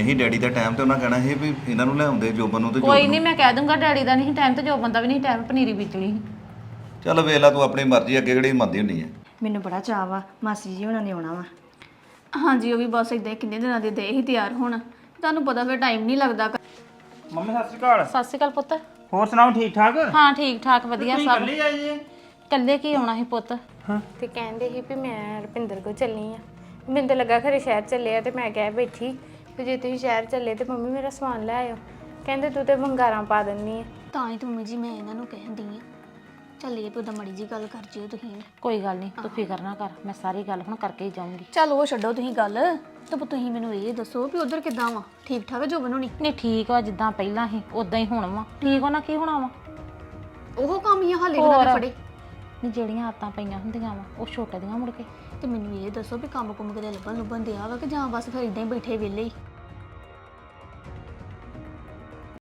ਸੀ daddy ਦਾ time ਤੇ ਉਹਨਾਂ ਕਹਿਣਾ ਸੀ ਵੀ ਇਹਨਾਂ ਨੂੰ ਲਿਆਉਂਦੇ ਜੋਬਨ ਨੂੰ ਤੇ ਕੋਈ ਨਹੀਂ ਮੈਂ ਕਹਿ ਦੂੰਗਾ ਡੈਡੀ ਦਾ ਨਹੀਂ ਟਾਈਮ ਤੇ ਜੋ ਬੰਦਾ ਵੀ ਨਹੀਂ ਟਾਈਮ ਪਨੀਰੀ ਬੀਜਣੀ ਸੀ। ਚੱਲ ਵੇਖ ਲਾ ਤੂੰ ਆਪਣੀ ਮਰਜ਼ੀ ਅੱਗੇ ਕਿਹੜੀ ਮੰਨਦੀ ਹੁੰਦੀ ਹੈ। ਮੈਨੂੰ ਬੜਾ ਚਾਅ ਵਾ ਮਾਸੀ ਜੀ ਹੁਣਾਂ ਨੇ ਆਉਣਾ ਵਾ। ਹਾਂਜੀ ਉਹ ਵੀ ਬਸ ਇਦਾਂ ਕਿੰਨੇ ਦਿਨਾਂ ਦੇ ਦੇ ਹੀ ਤਿਆਰ ਹੋਣ ਤੁਹਾਨੂੰ ਪਤਾ ਫਿਰ ਟਾਈਮ ਨਹੀਂ ਲੱਗਦਾ। ਮੰਮੀ ਸਤਿ ਸ਼੍ਰੀ ਅਕਾਲ। ਸਤਿ ਸ਼੍ਰੀ ਅਕਾਲ ਪੁੱਤ। ਹੋਰ ਸੁਣਾਓ ਠੀਕ ਠਾਕ? ਹਾਂ ਠੀਕ ਠਾਕ ਵਧੀਆ ਤੁਸੀਂ ਸਭ। ਇਕੱਲੇ ਆਏ ਜੇ? ਕੱਲੇ ਕੀ ਆਉਣਾ ਸੀ ਪੁੱਤ? ਤੇ ਕਹਿੰਦੇ ਸੀ ਵੀ ਮੈਂ ਰੁਪਿੰਦਰ ਕੋਲ ਚੱਲੀ ਆ। ਮੈਨੂੰ ਤਾਂ ਲੱਗਾ ਖਰੇ ਸ਼ਹਿਰ ਚੱਲੇ ਆ ਤੇ ਮੈਂ ਕਹਿ ਬੈਠੀ ਵੀ ਜੇ ਤੁਸੀਂ ਸ਼ਹਿਰ ਚੱਲੇ ਤੇ ਮੰਮੀ ਮੇਰਾ ਸਮਾਨ ਲੈ ਆਇਓ। ਕਹਿੰਦੇ ਤੂੰ ਤੇ ਵੰਗਾਰਾਂ ਪਾ ਦਿੰਨੀ ਆ। ਤਾਂ ਹੀ ਤਾਂ ਮੰਮੀ ਜੀ ਮੈਂ ਇਹਨਾਂ ਨੂੰ ਕਹਿੰਦੀ ਆ ਚੱਲੀਏ ਵੀ ਉਹਦਾ ਮੜੀ ਜੀ ਗੱਲ ਕਰ ਜਿਓ ਤੁਸੀਂ। ਕੋਈ ਗੱਲ ਨਹੀਂ ਤੂੰ ਫਿਕਰ ਨਾ ਕਰ, ਮੈਂ ਸਾਰੀ ਗੱਲ ਹੁਣ ਕਰਕੇ ਹੀ ਜਾਊਂਗੀ। ਚੱਲ ਉਹ ਛੱਡੋ ਤੁਸੀਂ ਗੱਲ ਤੇ ਤੁਸੀਂ ਮੈਨੂੰ ਇਹ ਦੱਸੋ ਵੀ ਉਧਰ ਕਿੱਦਾਂ ਵਾ? ਠੀਕ ਠਾਕ ਜੋ ਬਣਾਉਣੀ? ਨਹੀਂ ਠੀਕ ਵਾ, ਜਿੱਦਾਂ ਪਹਿਲਾਂ ਸੀ ਉਦਾਂ ਹੀ ਹੁਣ ਵਾ। ਠੀਕ ਹੋਣਾ ਕੀ ਹੋਣਾ ਵਾ? ਉਹ ਕੰਮ ਹੀ ਆ ਹਾਲੇ ਉਹਨਾਂ ਦੇ ਫੜੇ। ਨਹੀਂ ਜਿਹੜੀਆਂ ਆਤਾਂ ਪਈਆਂ ਹੁੰਦੀਆਂ ਵਾ ਉਹ ਛੁੱਟਦੀਆਂ ਮੁੜ ਕੇ। ਤੇ ਮੈਨੂੰ ਇਹ ਦੱਸੋ ਵੀ ਕੰਮ ਕੁੰਮ ਕਿਤੇ ਲੱਭਣ ਦਿਆ ਵਾ ਕਿ ਜਾਂ ਬਸ ਫਿਰ ਇਦਾਂ ਹੀ ਬੈਠੇ ਵਿਹਲੇ ਹੀ?